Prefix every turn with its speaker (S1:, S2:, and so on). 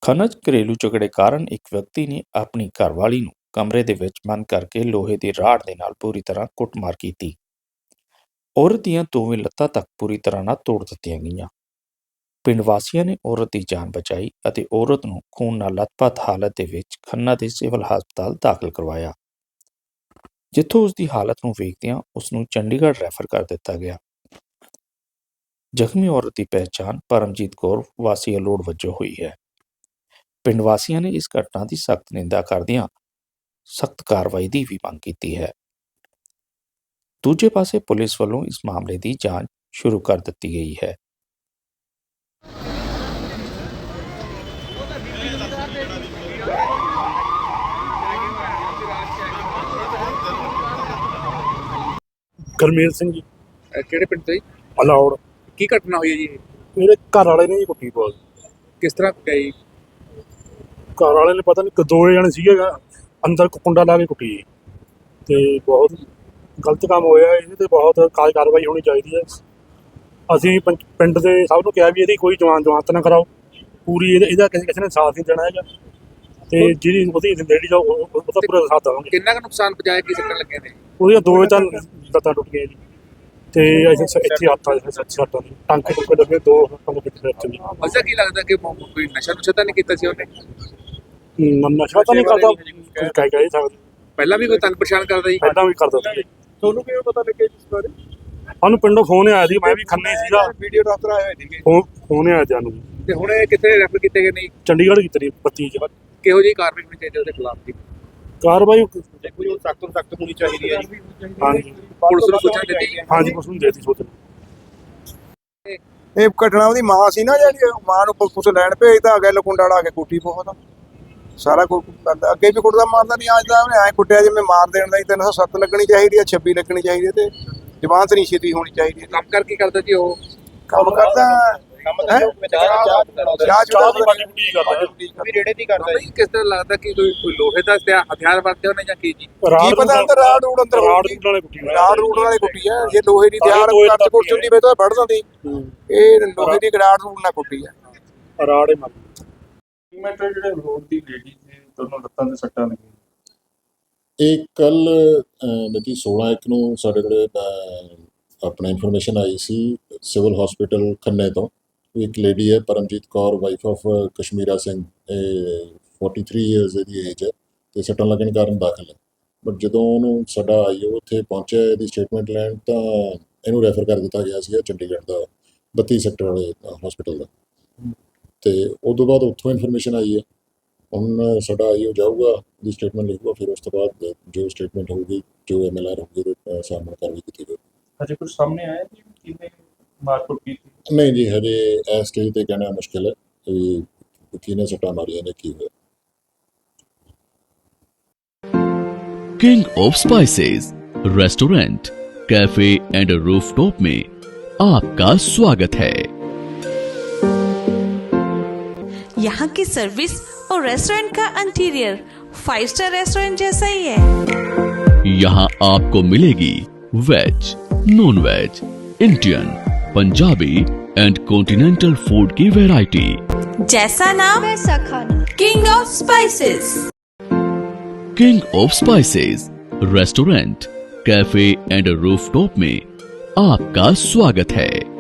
S1: ਖਨਜ ਘਰੇਲੂ ਝਗੜੇ ਕਾਰਨ ਇੱਕ ਵਿਅਕਤੀ ਨੇ ਆਪਣੀ ਘਰਵਾਲੀ ਨੂੰ ਕਮਰੇ ਦੇ ਵਿੱਚ ਬੰਦ ਕਰਕੇ ਲੋਹੇ ਦੀ ਰਾੜ ਦੇ ਨਾਲ ਪੂਰੀ ਤਰ੍ਹਾਂ ਕੁੱਟਮਾਰ ਕੀਤੀ। ਔਰਤ ਦੀਆਂ ਦੋਵੇਂ ਲੱਤਾਂ ਤੱਕ ਪੂਰੀ ਤਰ੍ਹਾਂ ਨਾਲ ਤੋੜ ਦਿੱਤੀਆਂ ਗਈਆਂ। ਪਿੰਡ ਵਾਸੀਆਂ ਨੇ ਔਰਤ ਦੀ ਜਾਨ ਬਚਾਈ ਅਤੇ ਔਰਤ ਨੂੰ ਖੂਨ ਨਾਲ ਲੱਥਪੱਥ ਹਾਲਤ ਦੇ ਵਿੱਚ ਖੰਨਾ ਦੇ ਸਿਵਲ ਹਸਪਤਾਲ ਦਾਖਲ ਕਰਵਾਇਆ, ਜਿੱਥੋਂ ਉਸ ਦੀ ਹਾਲਤ ਨੂੰ ਵੇਖਦਿਆਂ ਉਸ ਨੂੰ ਚੰਡੀਗੜ੍ਹ ਰੈਫਰ ਕਰ ਦਿੱਤਾ ਗਿਆ। ਜ਼ਖਮੀ ਔਰਤ ਦੀ ਪਹਿਚਾਣ ਪਰਮਜੀਤ ਕੌਰ ਵਾਸੀ ਅਲੋੜ ਵਜੋਂ ਹੋਈ ਹੈ। ਪਿੰਡ ਵਾਸੀਆਂ ਨੇ ਇਸ ਘਟਨਾ ਦੀ ਸਖਤ ਨਿੰਦਾ ਕਰਦਿਆਂ ਸਖਤ ਕਾਰਵਾਈ ਦੀ ਵੀ ਮੰਗ ਕੀਤੀ ਹੈ। ਦੂਜੇ ਪਾਸੇ ਪੁਲਿਸ ਵੱਲੋਂ ਇਸ ਮਾਮਲੇ ਦੀ ਜਾਂਚ ਸ਼ੁਰੂ ਕਰ ਦਿੱਤੀ ਗਈ ਹੈ।
S2: ਗਰਮੇਲ ਸਿੰਘ ਜੀ।
S3: ਕਿਹੜੇ ਪਿੰਡ ਤੋਂ ਜੀ?
S2: ਅਲੌੜ।
S3: ਕੀ ਘਟਨਾ ਹੋਈ ਹੈ ਜੀ?
S2: ਮੇਰੇ ਘਰ ਵਾਲੇ ਨੇ ਜੀ ਕੁੱਟੀ ਬਹੁਤ।
S3: ਕਿਸ ਤਰ੍ਹਾਂ ਕੁੱਟਿਆ ਜੀ?
S2: ਘਰ ਵਾਲੇ ਨੇ ਪਤਾ ਨਹੀਂ ਦੋ ਜਣੇ ਸੀਗੇ ਅੰਦਰ ਕੁੰਡਾ ਲਾ ਕੇ ਕੁੱਟੀ ਜੀ, ਤੇ ਬਹੁਤ ਗਲਤ ਕੰਮ ਹੋਇਆ। ਇਹਦੇ ਤੇ ਬਹੁਤ ਕਾਰਵਾਈ ਹੋਣੀ ਚਾਹੀਦੀ ਹੈ। ਅਸੀਂ ਪਿੰਡ ਦੇ ਸਭ ਨੂੰ ਕਿਹਾ ਵੀ ਇਹਦੀ ਕੋਈ ਜਮਾਨਤ ਨਾ ਕਰਾਓ ਪੂਰੀ, ਇਹਦਾ ਕਿਸੇ ਨੇ ਸਾਥ ਨਹੀਂ ਦੇਣਾ ਹੈਗਾ, ਤੇ ਜਿਹੜੀ ਉਹਦੀ ਲੇਡੀ ਜਾਓ ਉਹਦਾ ਪੂਰਾ ਸਾਥ ਦੇਵਾਂਗੇ।
S3: ਕਿੰਨਾ ਕੁ ਨੁਕਸਾਨ ਪਹੁੰਚਾਇਆ, ਕੀ ਸੱਟਾਂ ਲੱਗੀਆਂ ਨੇ?
S2: ਉਹਦੀਆਂ ਦੋ ਤਾਂ ਲੱਤਾਂ ਟੁੱਟ ਗਈਆਂ ਜੀ, ਤੇ ਇੱਥੇ ਹੱਥਾਂ ਸੱਟਾਂ ਦੀ ਟਾਂਕੇ ਟੁੱਕੇ ਲੱਗੇ, ਦੋ ਹੱਥਾਂ ਦੇ ਵਿੱਚ ਜੀ।
S3: ਅੱਛਾ, ਕੀ ਲੱਗਦਾ ਕਿ ਕੋਈ ਨਸ਼ਾ ਨੁਸ਼ਾ ਤਾਂ ਨਹੀਂ ਕੀਤਾ ਸੀ ਉਹਨੇ?
S2: ਨਸ਼ਾ ਤਾਂ ਨਹੀਂ ਕਰਦਾ, ਕਹਿ ਸਕਦੇ।
S3: ਪਹਿਲਾਂ ਵੀ ਕੋਈ ਤੰਗ ਪਰੇਸ਼ਾਨ ਕਰਦਾ ਜੀ?
S2: ਪਹਿਲਾਂ ਵੀ ਕਰਦਾ ਸੀ।
S3: ਤੁਹਾਨੂੰ ਕਿਵੇਂ ਪਤਾ ਲੱਗਿਆ ਇਸ ਬਾਰੇ?
S2: ਸਾਨੂੰ ਪਿੰਡੋਂ ਫੋਨ ਆਇਆ ਸੀ, ਮੈਂ ਵੀ ਖੰਨੇ ਸੀਗਾ,
S3: ਵੀਡੀਓ ਡਾਕਟਰ ਆਏ ਹੋਏ ਸੀਗੇ।
S2: ਫੋਨ ਆਇਆ ਜਾਨੂੰ।
S3: ਤੇ ਹੁਣ ਇਹ ਕਿੱਥੇ ਰੈਫਰ ਕੀਤੇ ਗਏ ਨੇ?
S2: ਚੰਡੀਗੜ੍ਹ ਕੀਤੀ 32 ਚ।
S3: ਕਿਹੋ ਜਿਹੀ ਕਾਰਵਾਈ ਹੋਣੀ ਚਾਹੀਦੀ ਉਹਦੇ ਖਿਲਾਫ ਦੀ?
S2: ਕਾਰਵਾਈ
S3: ਕੋਈ ਸਖਤ ਤੋਂ ਸਖਤ ਹੋਣੀ ਚਾਹੀਦੀ ਹੈ ਜੀ।
S2: ਹਾਂਜੀ,
S3: ਪੁਲਿਸ ਨੂੰ ਸੂਚਨਾ ਦਿੱਤੀ?
S2: ਹਾਂਜੀ, ਪੁਲਿਸ ਨੂੰ ਦੇਤੀ ਸੂਚਨਾ।
S4: ਇਹ ਘਟਨਾ ਉਹਦੀ ਮਾਂ ਸੀ ਨਾ, ਜਿਹੜੀ ਮਾਂ ਨੂੰ ਪੁਲਿਸ ਲੈਣ ਭੇਜਦਾ, ਅੱਗੇ ਲਕੁੰਡਾ ਲਾ ਕੇ ਕੁੱਟੀ ਬਹੁਤ ਸਾਰਾ ਕੁਝ ਕਰਦਾ। ਅੱਗੇ ਵੀ ਕੁੱਟਦਾ ਮਾਰਦਾ ਨਹੀਂ, ਅੱਜ ਦਾ ਉਹਨੇ ਐਂ ਕੁੱਟਿਆ ਜਿਵੇਂ ਮਾਰ ਦੇਣ ਦਾ ਹੀ। 307 ਲੱਗਣੀ ਚਾਹੀਦੀ ਹੈ, 26 ਲੱਗਣੀ ਚਾਹੀਦੀ ਹੈ, ਤੇ ਜ਼ਮਾਨਤ ਨਹੀਂ ਛੇਤੀ ਹੋਣੀ ਚਾਹੀਦੀ ਹੈ।
S3: ਕੰਮ ਕਰ ਕੀ ਕਰਦਾ ਜੀ ਉਹ?
S4: ਕੰਮ ਕਰਦਾ
S3: ਰੇੜੇ ਦੀ ਕਰਦਾ ਜੀ। ਕਿਸ ਤਰ੍ਹਾਂ ਲੱਗਦਾ ਕਿ ਕੋਈ ਲੋਹੇ ਦਾ ਹਥਿਆਰ ਵਰਤਿਆ ਉਹਨੇ ਜਾਂ ਕੀ ਜੀ?
S4: ਕੀ ਪਤਾ ਅੰਦਰ ਰਾੜ ਰੂੜ ਅੰਦਰ ਰਾੜ ਰੂੜ ਵਾਲੇ ਕੁੱਟੀ ਹੈ। ਜੇ ਲੋਹੇ ਦੀ ਹਥਿਆਰ ਕੱਟ ਕੁੱਟ ਚੁੰਦੀ ਵੇ ਤਾਂ ਵੱਢ ਦਿੰਦੀ। ਇਹ ਲੋਹੇ ਦੀ ਰਾੜ ਰੂੜ ਨਾਲ ਕੁੱਟੀ ਹੈ।
S2: ਰਾੜੇ ਮਾਰ
S5: ਮੈਟਰ ਜਿਹੜੇ ਰੋਡ ਦੀ ਲੇਡੀ ਸੀ, ਦੋਨੋਂ ਲੱਤਾਂ ਤੇ ਸੱਟਾਂ ਲੱਗੀਆਂ।
S6: ਇਹ ਕੱਲ ਮਿਤੀ 16/1 ਨੂੰ ਸਾਡੇ ਕੋਲ ਆਪਣਾ ਇਨਫੋਰਮੇਸ਼ਨ ਆਈ ਸੀ ਸਿਵਲ ਹਸਪੀਟਲ ਖੰਨੇ ਤੋਂ। ਇੱਕ ਲੇਡੀ ਹੈ ਪਰਮਜੀਤ ਕੌਰ, ਵਾਈਫ ਆਫ ਕਸ਼ਮੀਰਾ ਸਿੰਘ, ਇਹ 43 ਇਅਰਸ ਇਹਦੀ ਏਜ ਹੈ, ਤੇ ਸੱਟਾਂ ਲੱਗਣ ਕਾਰਨ ਦਾਖਲ ਹੈ। ਬਟ ਜਦੋਂ ਉਹਨੂੰ ਸਾਡਾ ਆਈਓ ਉੱਥੇ ਪਹੁੰਚਿਆ ਇਹਦੀ ਸਟੇਟਮੈਂਟ ਲੈਣ, ਤਾਂ ਇਹਨੂੰ ਰੈਫਰ ਕਰ ਦਿੱਤਾ ਗਿਆ ਸੀ ਚੰਡੀਗੜ੍ਹ ਦਾ 32 ਸੈਕਟਰ ਵਾਲੇ ਹਸਪੀਟਲ ਦਾ। ਤੇ ਉਸ ਤੋਂ ਬਾਅਦ ਉੱਥੋਂ ਇਨਫੋਰਮੇਸ਼ਨ ਆਈ ਹੈ, ਹੁਣ ਸਾਡਾ ਆਈਓ ਜਾਊਗਾ, ਉਹਦੀ ਸਟੇਟਮੈਂਟ ਲਿਖੂਗਾ, ਫਿਰ ਉਸ ਤੋਂ ਬਾਅਦ ਜੋ ਸਟੇਟਮੈਂਟ ਹੋਊਗੀ, ਜੋ MLR ਹੋਊਗੀ, ਉਹਦੇ ਸਾਹਮਣੇ ਕਾਰਵਾਈ ਕੀਤੀ ਜਾਊਗੀ।
S5: ਹਜੇ ਕੁਝ ਸਾਹਮਣੇ ਆਇਆ ਜੀ ਕਿਹਨੇ ਮਾਰਕੁੱਟ ਕੀਤੀ?
S6: ਨਹੀਂ ਜੀ, ਹਜੇ ਇਸ ਸਟੇਜ ਤੇ ਕਹਿਣਾ ਮੁਸ਼ਕਿਲ ਹੈ ਕਿ ਕਿਹਨੇ ਸੱਟਾਂ ਮਾਰੀਆਂ ਨੇ, ਕੀ ਹੋਇਆ।
S7: King of spices restaurant, cafe and rooftop में आपका स्वागत है।
S8: यहाँ की सर्विस और रेस्टोरेंट का इंटीरियर 5 स्टार रेस्टोरेंट जैसा ही है।
S7: यहाँ आपको मिलेगी veg, non veg, Indian, Punjabi and continental food की वैरायटी।
S8: जैसा नाम वैसा खाना। King of spices.
S7: King of spices restaurant, cafe and rooftop में आपका स्वागत है।